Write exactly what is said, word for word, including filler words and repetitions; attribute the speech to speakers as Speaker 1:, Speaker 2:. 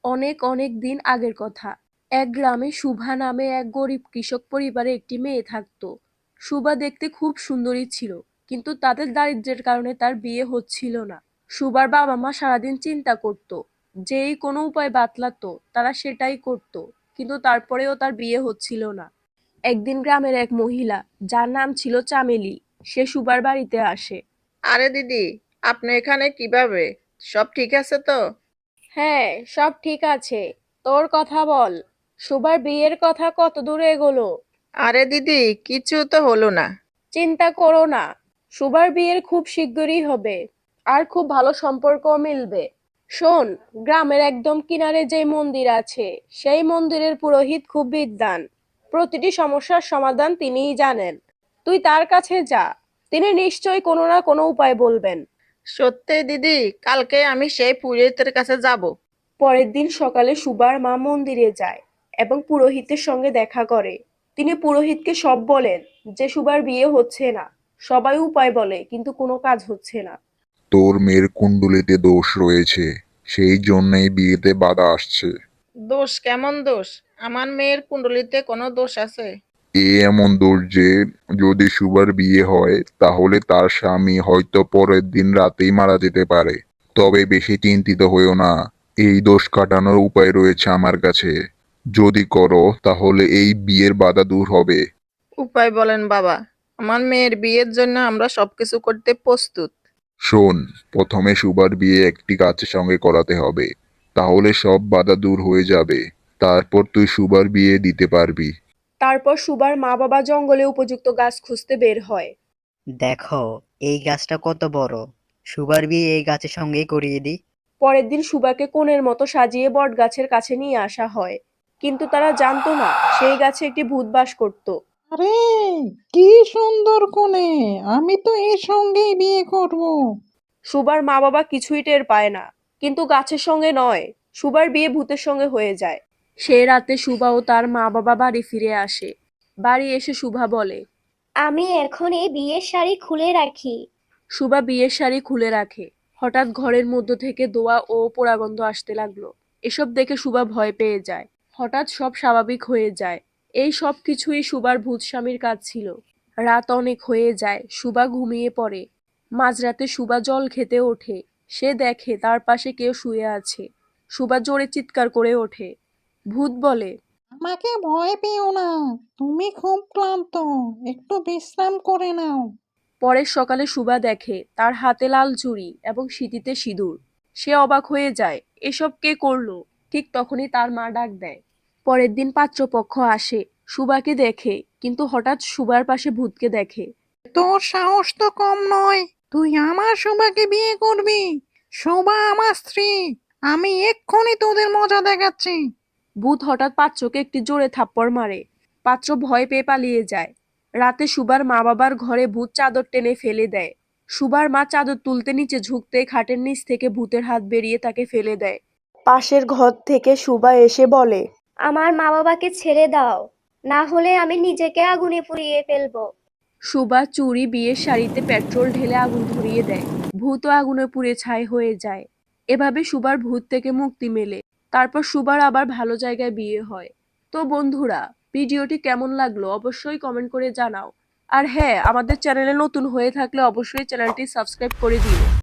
Speaker 1: অনেক অনেক দিন আগের কথা। এক গ্রামে শুভা নামে এক গরিব কৃষক পরিবারে একটি মেয়ে থাকত। শুভা দেখতে খুব সুন্দরী ছিল, কিন্তু তাদের দারিদ্র্যের কারণে তার বিয়ে হচ্ছিল না। শুভার বাবা মা সারাদিন চিন্তা করত, যেই কোনো উপায় বাতলাতো তারা সেটাই করত, কিন্তু তারপরেও তার বিয়ে হচ্ছিল না। একদিন গ্রামের এক মহিলা, যার নাম ছিল চামেলি, সে শুভার বাড়িতে আসে।
Speaker 2: আরে দিদি, আপনি এখানে কিভাবে? সব ঠিক আছে তো?
Speaker 1: হ্যাঁ, সব ঠিক আছে। তোর কথা বল, শুভার বিয়ের কথা কত দূরে এগোলো?
Speaker 2: আরে দিদি, কিছু তো হলো না।
Speaker 1: চিন্তা করো না, সুভার বিয়ের খুব শিগগিরই হবে, আর খুব ভালো সম্পর্কও মিলবে। শোন, গ্রামের একদম কিনারে যে মন্দির আছে, সেই মন্দিরের পুরোহিত খুব বিদ্বান। প্রতিটি সমস্যার সমাধান তিনিই জানেন। তুই তার কাছে যা, তিনি নিশ্চয়ই কোনো না কোনো উপায় বলবেন।
Speaker 2: সত্যি দিদি, কালকে আমি সেই পুরোহিতের কাছে যাব।
Speaker 1: পরের দিন সকালে সুবার মা মন্দিরে যায় এবং পুরোহিতের সঙ্গে দেখা করে। তিনি পুরোহিতকে সব বলেন যে সুবার বিয়ে হচ্ছে না। সবাই উপায় বলে, কিন্তু কোনো কাজ হচ্ছে না।
Speaker 3: তোর মেয়ের কুণ্ডলিতে দোষ রয়েছে, সেই জন্যই বিয়েতে বাধা আসছে।
Speaker 2: দোষ? কেমন দোষ? আমার মেয়ের কুণ্ডলিতে কোনো দোষ আছে?
Speaker 3: এ এমন দোষ যে যদি সুবার বিয়ে হয় তাহলে তার স্বামী হয়তো পরের দিন রাতেই মারা যেতে পারে। তবে বেশি চিন্তিত হইও না, এই দোষ কাটানোর উপায় রয়েছে আমার কাছে। যদি করো তাহলে এই বিয়ের বাধা দূর হবে।
Speaker 2: উপায় বলেন বাবা, আমার মেয়ের বিয়ের জন্য আমরা সবকিছু করতে প্রস্তুত।
Speaker 3: শোন, প্রথমে সুবার বিয়ে একটি গাছের সঙ্গে করাতে হবে, তাহলে সব বাধা দূর হয়ে যাবে। তারপর তুই সুবার বিয়ে দিতে পারবি।
Speaker 1: তারপর সুবার মা বাবা জঙ্গলে উপযুক্ত গাছ খুঁজতে বের হয়।
Speaker 4: দেখো, এই গাছটা কত বড়। সুগার বিয়ে এই গাছের সঙ্গেই করিয়ে দিই।
Speaker 1: পরের দিন সুবাকে কোণের মতো সাজিয়ে বট গাছের কাছে নিয়ে আসা হয়, কিন্তু তারা জানতো না সেই গাছে একটি ভূত বাস করত।
Speaker 5: আরে, কি সুন্দর কোণে! আমি তো এর সঙ্গেই বিয়ে করব।
Speaker 1: সুবার মা বাবা কিছুই টের পায় না, কিন্তু গাছের সঙ্গে নয়, সুবার বিয়ে ভূতের সঙ্গে হয়ে যায়। সে রাতে সুবা ও তার মা বাবা বাড়ি ফিরে আসে। বাড়ি এসে শুভা বলে,
Speaker 6: আমি এখনই বিয়ের শাড়ি খুলে রাখি।
Speaker 1: সুবা বিয়ের শাড়ি খুলে রাখে। হঠাৎ ঘরের মধ্য থেকে দোয়া ও পোড়াগন্ধ আসতে লাগলো। এসব দেখে সুবা ভয় পেয়ে যায়। হঠাৎ সব স্বাভাবিক হয়ে যায়। এই সব কিছুই সুবার ভূত স্বামীর কাজ ছিল। রাত অনেক হয়ে যায়, সুবা ঘুমিয়ে পড়ে। মাঝরাতে সুবা জল খেতে ওঠে। সে দেখে তার পাশে কেউ শুয়ে আছে। সুবা জোরে চিৎকার করে ওঠে। ভূত বলে,
Speaker 5: আমাকে ভয় পেও না, তুমি খুব ক্লান্ত, একটু বিশ্রাম করে নাও।
Speaker 1: পরের সকালে সুবা দেখে তার হাতে লাল চুড়ি এবং সিঁথিতে সিঁদুর। সে অবাক হয়ে যায়, এসব কে করলো? ঠিক তখনই তার মা ডাক দেয়। পরের দিন পাত্রপক্ষ আসে, সুবাকে দেখে, কিন্তু হঠাৎ সুবার পাশে ভূতকে দেখে।
Speaker 5: তোর সাহস তো কম নয়, তুই আমার শোভাকে বিয়ে করবি? শোভা আমার স্ত্রী। আমি এক্ষুনি তোদের মজা দেখাচ্ছি।
Speaker 1: ভূত হঠাৎ পাত্রকে একটি জোরে থাপ্পড় মারে। পাত্র ভয় পেয়ে পালিয়ে যায়। রাতে সুবার মা বাবার ঘরে ভূত চাদর টেনে ফেলে দেয়। সুবার মা চাদর তুলতে নিচে ঝুঁকতে খাটের নিচ থেকে ভূতের হাত বেরিয়ে তাকে ফেলে দেয়। পাশের ঘর থেকে সুবা এসে বলে,
Speaker 6: আমার মা বাবাকে ছেড়ে দাও, না হলে আমি নিজেকে আগুনে পুড়িয়ে ফেলবো।
Speaker 1: সুবা চুরি বিয়ের শাড়িতে পেট্রোল ঢেলে আগুন ধরিয়ে দেয়। ভূতও আগুনে পুড়ে ছাই হয়ে যায়। এভাবে সুবার ভূত থেকে মুক্তি মেলে। তারপর সুবার আবার ভালো জায়গায় বিয়ে হয়। তো বন্ধুরা, ভিডিওটি কেমন লাগলো অবশ্যই কমেন্ট করে জানাও। আর হ্যাঁ, আমাদের চ্যানেলে নতুন হয়ে থাকলে অবশ্যই চ্যানেলটি সাবস্ক্রাইব করে দিও।